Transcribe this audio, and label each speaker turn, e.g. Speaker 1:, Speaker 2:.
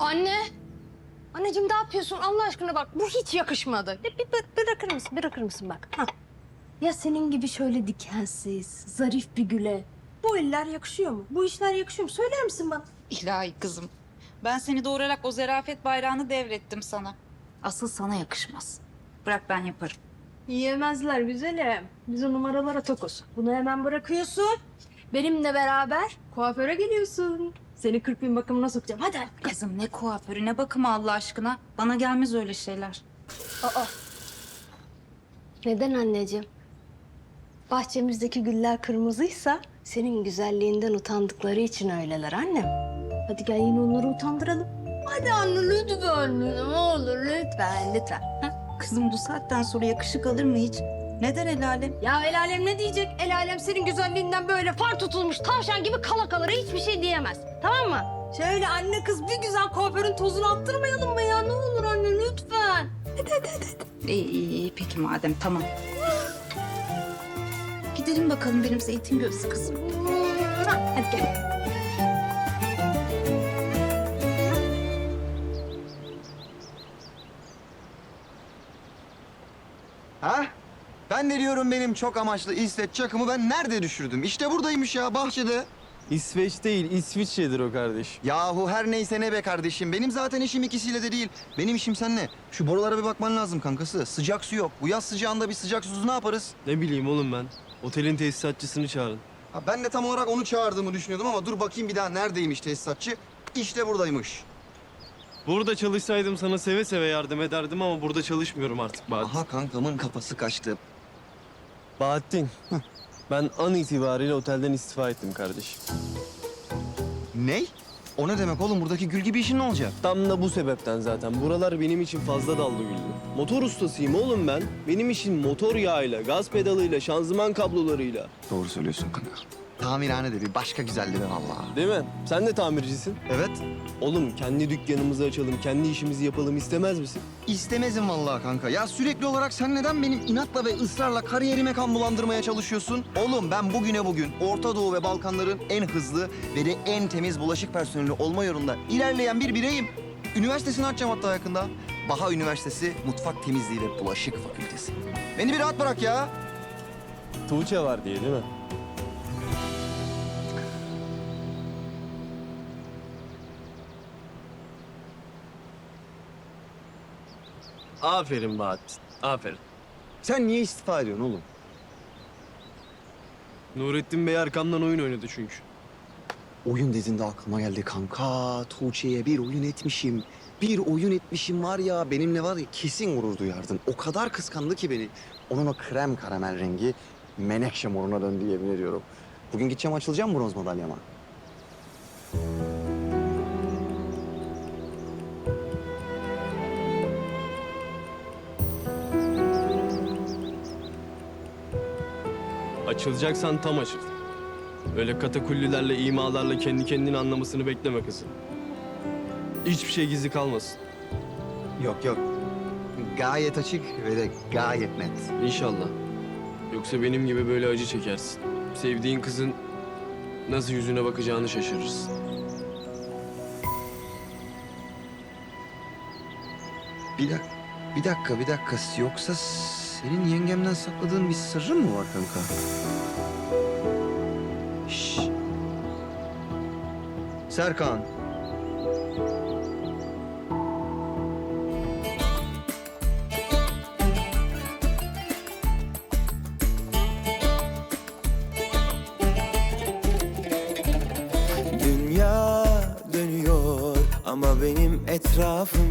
Speaker 1: Anne. Anneciğim ne yapıyorsun? Allah aşkına bak bu hiç yakışmadı. Bırakır mısın bak. Ha. Ya senin gibi şöyle dikensiz, zarif bir güle bu eller yakışıyor mu? Bu işler yakışıyor mu? Söyler misin bana?
Speaker 2: İlahi kızım. Ben seni doğurarak o zerafet bayrağını devrettim sana. Asıl sana yakışmaz. Bırak ben yaparım.
Speaker 1: Yiyemezler güzelim. Biz o numaralara tokuz. Bunu hemen bırakıyorsun. Benimle beraber kuaföre geliyorsun. Seni 40 bin bakımına sokacağım. Hadi.
Speaker 2: Kızım ne kuaförü ne bakımı Allah aşkına. Bana gelmez öyle şeyler.
Speaker 1: Aa. Neden anneciğim? Bahçemizdeki güller kırmızıysa senin güzelliğinden utandıkları için öyleler annem. Hadi gel yine onları utandıralım. Hadi anne lütfen, ne olur lütfen. Ha?
Speaker 2: Kızım bu saatten sonra yakışık alır mı hiç? Ne der el alem?
Speaker 1: Ya el alem ne diyecek? El alem senin güzelliğinden böyle far tutulmuş tavşan gibi kala kalır hiçbir şey diyemez. Tamam mı? Şöyle anne kız bir güzel kuaförün tozunu attırmayalım mı ya? Ne olur anne lütfen. Hadi.
Speaker 2: İyi peki madem tamam. Gidelim bakalım benim zeytin gözlü kızım.
Speaker 1: Hadi gel.
Speaker 3: Ha? Ben de diyorum benim çok amaçlı İsveç çakımı ben nerede düşürdüm? İşte buradaymış ya bahçede.
Speaker 4: İsveç değil, İsviçre'dir o kardeş.
Speaker 3: Yahu her neyse ne be kardeşim. Benim zaten işim ikisiyle de değil. Benim işim seninle. Şu borulara bir bakman lazım kankası. Sıcak su yok. Bu yaz sıcağında bir sıcak susuz ne yaparız?
Speaker 4: Ne bileyim oğlum ben. Otelin tesisatçısını çağırın.
Speaker 3: Ha, ben de tam olarak onu çağırdığımı düşünüyordum ama dur bakayım bir daha neredeymiş tesisatçı? İşte buradaymış.
Speaker 4: Burada çalışsaydım sana seve seve yardım ederdim ama burada çalışmıyorum artık Bahattin.
Speaker 3: Aha kankamın kafası kaçtı.
Speaker 4: Bahattin, ben an itibariyle otelden istifa ettim kardeşim.
Speaker 3: Ney? O ne demek oğlum? Buradaki gül gibi işin ne olacak?
Speaker 4: Tam da bu sebepten zaten. Buralar benim için fazla dallı güldü. Motor ustasıyım oğlum ben. Benim işim motor yağıyla, gaz pedalıyla, şanzıman kablolarıyla.
Speaker 3: Doğru söylüyorsun kanka. Tamirhane de bir başka güzeldi be vallahi.
Speaker 4: Değil mi? Sen de tamircisin.
Speaker 3: Evet.
Speaker 4: Oğlum kendi dükkanımızı açalım, kendi işimizi yapalım istemez misin?
Speaker 3: İstemezim vallahi kanka. Ya sürekli olarak sen neden benim inatla ve ısrarla kariyerime kan bulandırmaya çalışıyorsun? Oğlum ben bugüne bugün Orta Doğu ve Balkanların en hızlı ve de en temiz bulaşık personeli olma yolunda ilerleyen bir bireyim. Üniversitesini açacağım hatta yakında. Baha Üniversitesi Mutfak Temizliği ve Bulaşık Fakültesi. Beni bir rahat bırak ya.
Speaker 4: Tuğçe var diye değil mi? Aferin Bahattin, aferin.
Speaker 3: Sen niye istifa ediyorsun oğlum?
Speaker 4: Nurettin Bey arkamdan oyun oynadı çünkü.
Speaker 3: Oyun dediğinde aklıma geldi kanka. Tuğçe'ye bir oyun etmişim. Bir oyun etmişim var ya benimle var ya kesin gurur duyardın. O kadar kıskandı ki beni. Onun o krem karamel rengi menekşe moruna döndü yemin ediyorum. Bugün gideceğim açılacağım bronz madalyama.
Speaker 4: Açılacaksan tam açıl. Öyle katakullilerle, imalarla kendi kendini anlamasını bekleme kızım. Hiçbir şey gizli kalmasın.
Speaker 3: Yok yok. Gayet açık ve de gayet net.
Speaker 4: İnşallah. Yoksa benim gibi böyle acı çekersin. Sevdiğin kızın nasıl yüzüne bakacağını şaşırırsın.
Speaker 3: Bir dakika. Yoksa senin yengemden sakladığın bir sırrın mı var kanka? Şşş. Serkan.
Speaker 5: Dünya dönüyor ama benim etrafım